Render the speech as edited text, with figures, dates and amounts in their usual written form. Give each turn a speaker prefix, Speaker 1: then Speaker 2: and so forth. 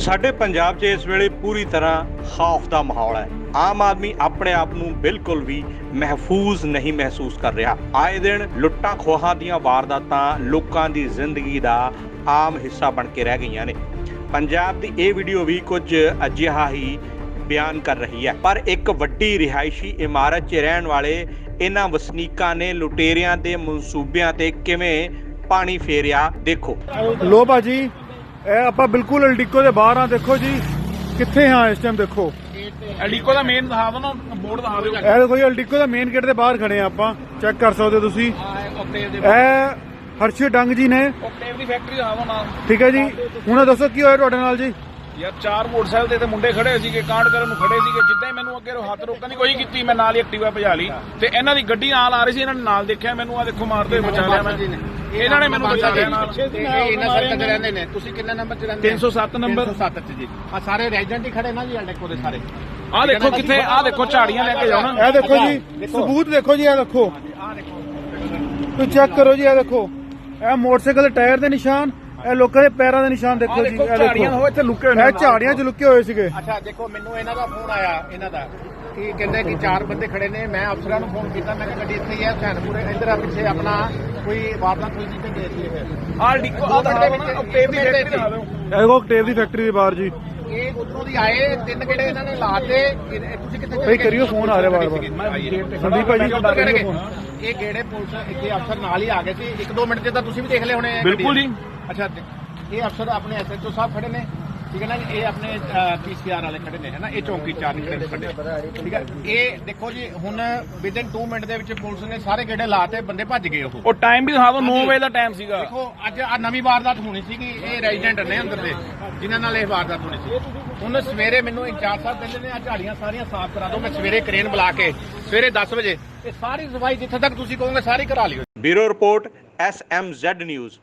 Speaker 1: ਸਾਡੇ ਪੰਜਾਬ 'ਚ ਇਸ ਵੇਲੇ ਪੂਰੀ ਤਰ੍ਹਾਂ ਖੌਫ ਦਾ ਮਾਹੌਲ ਹੈ। ਆਮ ਆਦਮੀ ਆਪਣੇ ਆਪ ਨੂੰ ਬਿਲਕੁਲ ਵੀ ਮਹਿਫੂਜ਼ ਨਹੀਂ ਮਹਿਸੂਸ ਕਰ ਰਿਹਾ। ਆਏ ਦਿਨ ਲੁੱਟਾਂ ਖੋਹਾਂ ਦੀਆਂ ਵਾਰਦਾਤਾਂ ਲੋਕਾਂ ਦੀ ਜ਼ਿੰਦਗੀ ਦਾ ਆਮ ਹਿੱਸਾ ਬਣ ਕੇ ਰਹਿ ਗਈਆਂ ਨੇ। ਪੰਜਾਬ ਦੀ ਇਹ ਵੀਡੀਓ ਵੀ ਕੁਝ ਅਜਿਹਾ ਹੀ ਬਿਆਨ ਕਰ ਰਹੀ ਹੈ। ਪਰ ਇੱਕ ਵੱਡੀ ਰਿਹਾਇਸ਼ੀ ਇਮਾਰਤ 'ਚ ਰਹਿਣ ਵਾਲੇ ਇਹਨਾਂ ਵਸਨੀਕਾਂ ਨੇ ਲੁਟੇਰਿਆਂ ਦੇ ਮਨਸੂਬਿਆਂ ਤੇ ਕਿਵੇਂ ਪਾਣੀ ਫੇਰਿਆ, ਦੇਖੋ।
Speaker 2: ਲੋ ਭਾਜੀ, ਇਹ ਆਪਾਂ ਬਿਲਕੁਲ ਅਲਡੀਕੋ ਦੇ ਬਾਹਰ ਆ। ਦੇਖੋ ਜੀ ਕਿੱਥੇ ਹਾਂ ਇਸ ਟਾਈਮ। ਦੇਖੋ
Speaker 3: ਅਲਡੀਕੋ ਦਾ ਮੇਨ ਦਿਖਾ ਦੋ ਨਾ, ਬੋਰਡ ਦਿਖਾ ਦਿਓ।
Speaker 2: ਇਹ ਦੇਖੋ ਜੀ ਅਲਡੀਕੋ ਦਾ ਮੇਨ ਗੇਟ ਦੇ ਬਾਹਰ ਖੜੇ ਆ ਆਪਾਂ, ਚੈੱਕ ਕਰ ਸਕਦੇ ਹੋ ਤੁਸੀਂ। ਇਹ ਹਰਸ਼ੀ ਡੰਗ ਜੀ ਨੇ,
Speaker 3: ਓਕਟੇਵ ਦੀ ਫੈਕਟਰੀ ਦਿਖਾ ਦੋ ਨਾ।
Speaker 2: ਠੀਕ ਹੈ ਜੀ। ਹੁਣ ਦੱਸੋ ਕੀ ਹੋਇਆ ਤੁਹਾਡੇ ਨਾਲ ਜੀ?
Speaker 3: ਯਾਰ 4 ਮੋਟਰਸਾਈਕਲ ਤੇ ਮੁੰਡੇ ਖੜੇ ਸੀਗੇ, ਕਾਂਡ ਕਰਨ ਨੂੰ ਖੜੇ ਸੀਗੇ। ਜਿੱਦਾਂ ਹੀ ਮੈਨੂੰ ਅੱਗੇ ਹੱਥ ਰੋਕਣ ਦੀ ਕੋਈ ਕੀਤੀ, ਮੈਂ ਨਾਲ ਹੀ ਐਕਟਿਵਾ ਭਜਾ ਲਈ ਤੇ ਇਹਨਾਂ ਦੀ ਗੱਡੀ ਨਾਲ ਆ ਰਹੀ ਸੀ। ਇਹਨਾਂ ਨੇ ਨਾਲ ਦੇਖਿਆ ਮੈਨੂੰ, ਆ ਦੇਖੋ ਮਾਰਦੇ ਬਚਾ ਲਿਆ ਮੈਂ। ਇਹਨਾਂ ਨੇ ਮੈਨੂੰ ਬਚਾ ਲਿਆ ਨਾਲ।
Speaker 4: ਇਹਨਾਂ ਸਰਕਲ 'ਚ ਰਹਿੰਦੇ ਨੇ। ਤੁਸੀਂ ਕਿੰਨੇ ਨੰਬਰ 'ਚ ਰਹਿੰਦੇ?
Speaker 3: 307 ਨੰਬਰ
Speaker 4: 307 'ਚ ਜੀ। ਆ ਸਾਰੇ ਰੈਜ਼ੀਡੈਂਟ ਹੀ ਖੜੇ ਨਾ ਜੀ ਅਲਡੀਕੋ ਦੇ ਸਾਰੇ।
Speaker 3: ਆ ਦੇਖੋ ਕਿੱਥੇ, ਆ ਦੇਖੋ ਝਾੜੀਆਂ ਲੈ ਕੇ ਜਾਣਾ।
Speaker 2: ਇਹ ਦੇਖੋ ਜੀ ਸਬੂਤ, ਦੇਖੋ ਜੀ। ਇਹ ਦੇਖੋ, ਤੁਸੀਂ ਚੈੱਕ ਕਰੋ ਜੀ। ਇਹ ਦੇਖੋ, ਇਹ ਮੋਟਰਸਾਈਕਲ ਦੇ ਟਾਇਰ ਦੇ ਨਿਸ਼ਾਨ, ਇਹ ਲੋਕਾਂ ਦੇ ਪੈਰਾਂ ਦੇ ਨਿਸ਼ਾਨ ਦੇਖੋ ਜੀ। ਇਹ
Speaker 3: ਝਾੜੀਆਂ
Speaker 2: ਦੇਖੋ,
Speaker 3: ਹੋ ਇੱਥੇ ਲੁਕੇ ਹੋਏ
Speaker 2: ਇਹ ਝਾੜੀਆਂ 'ਚ ਲੁਕੇ ਹੋਏ ਸੀਗੇ।
Speaker 4: ਅੱਛਾ ਦੇਖੋ, ਮੈਨੂੰ ਇਹਨਾਂ ਦਾ ਫੋਨ ਆਇਆ, ਇਹਨਾਂ ਦਾ ਕੀ ਕਹਿੰਦੇ ਕਿ 4 ਬੰਦੇ ਖੜੇ ਨੇ। ਮੈਂ ਅਫਸਰਾਂ ਨੂੰ ਫੋਨ ਕੀਤਾ, ਮੈਂ ਕਿਹਾ ਗੱਡੀ ਇੱਥੇ ਹੀ ਹੈ ਹੁਸੈਨਪੁਰ, ਇੱਧਰ ਆ ਪਿੱਛੇ ਆਪਣਾ ਕੋਈ ਵਾਰਦਾਤ ਹੋਈ ਸੀ ਤੇ ਗਏ ਸੀ ਇਹ।
Speaker 3: ਆ ਅਲਡੀਕੋ ਆ ਦਿਖਾ ਦਿਓ ਨਾ, ਓਕਟੇਵ ਦੀ ਫੈਕਟਰੀ ਦਿਖਾ ਦਿਓ।
Speaker 2: ਇਹ ਦੇਖੋ ਟੇਪ ਦੀ ਫੈਕਟਰੀ ਦੇ ਬਾਹਰ ਜੀ।
Speaker 4: ਇਹ ਉਧਰੋਂ ਦੀ ਆਏ 3 ਗੇੜੇ ਇਹਨਾਂ ਨੇ ਲਾਤੇ। ਤੁਸੀਂ ਕਿੱਥੇ
Speaker 2: ਭਾਈ ਕਰਿਓ, ਫੋਨ ਆ ਰਿਹਾ ਵਾਰ-ਵਾਰ। ਸੰਦੀਪ ਭਾਈ
Speaker 4: ਇਹ ਗੇੜੇ ਪੁਲਿਸ ਇੱਥੇ ਅਫਸਰ ਨਾਲ ਹੀ ਆ ਗਏ ਸੀ। 1-2 ਮਿੰਟ ਚ ਤਾਂ ਤੁਸੀਂ ਵੀ ਦੇਖ ਲਏ ਹੋਣੇ।
Speaker 3: ਬਿਲਕੁਲ ਜੀ।
Speaker 4: ਅੱਛਾ, ਇਹ ਅਫਸਰ ਆਪਣੇ ਐਸਐਚਓ ਸਾਹਿਬ ਖੜੇ ਨੇ, ਠੀਕ ਹੈ ਨਾ ਜੀ। ਇਹ ਆਪਣੇ ਪੀਸੀਆਰ ਵਾਲੇ ਖੜੇ ਨੇ, ਹੈ ਨਾ। ਇਹ ਚੌਂਕੀ 4 ਖੜੇ, ਠੀਕ ਹੈ। ਇਹ ਦੇਖੋ ਜੀ, ਹੁਣ ਵਿਦਿਨ 2 ਮਿੰਟ ਦੇ ਵਿੱਚ ਪੁਲਿਸ ਨੇ ਸਾਰੇ ਗੇੜੇ ਲਾਤੇ, ਬੰਦੇ ਭੱਜ ਗਏ। ਉਹ
Speaker 3: ਟਾਈਮ ਵੀ ਦਿਖਾ ਦਿਓ, 9 ਵਜੇ ਦਾ ਟਾਈਮ ਸੀਗਾ।
Speaker 4: ਦੇਖੋ ਅੱਜ ਆ ਨਵੀਂ ਵਾਰਦਾਤ ਹੋਣੀ ਸੀਗੀ। ਇਹ ਰੈਜ਼ੀਡੈਂਟ ਨੇ ਅੰਦਰ ਦੇ ਜਿਨ੍ਹਾਂ ਨਾਲ ਇਹ ਵਾਰਦਾਤ ਹੋਣੀ ਸੀ। ਹੁਣ ਸਵੇਰੇ ਮੈਨੂੰ ਇੰਚਾਰਜ ਸਾਹਿਬ ਕਹਿੰਦੇ ਨੇ ਆ ਝਾੜੀਆਂ ਸਾਰੀਆਂ ਸਾਫ਼ ਕਰਾ ਦਿਓ। ਮੈਂ ਸਵੇਰੇ ਕਰੇਨ ਬੁਲਾ ਕੇ ਸਵੇਰੇ 10 ਵਜੇ ਇਹ ਸਾਰੀ ਸਫਾਈ ਜਿੱਥੇ ਤੱਕ ਤੁਸੀਂ ਕਹੋਗੇ ਸਾਰੀ ਕਰਾ ਲਿਓ।
Speaker 1: Bureau report SMZ news.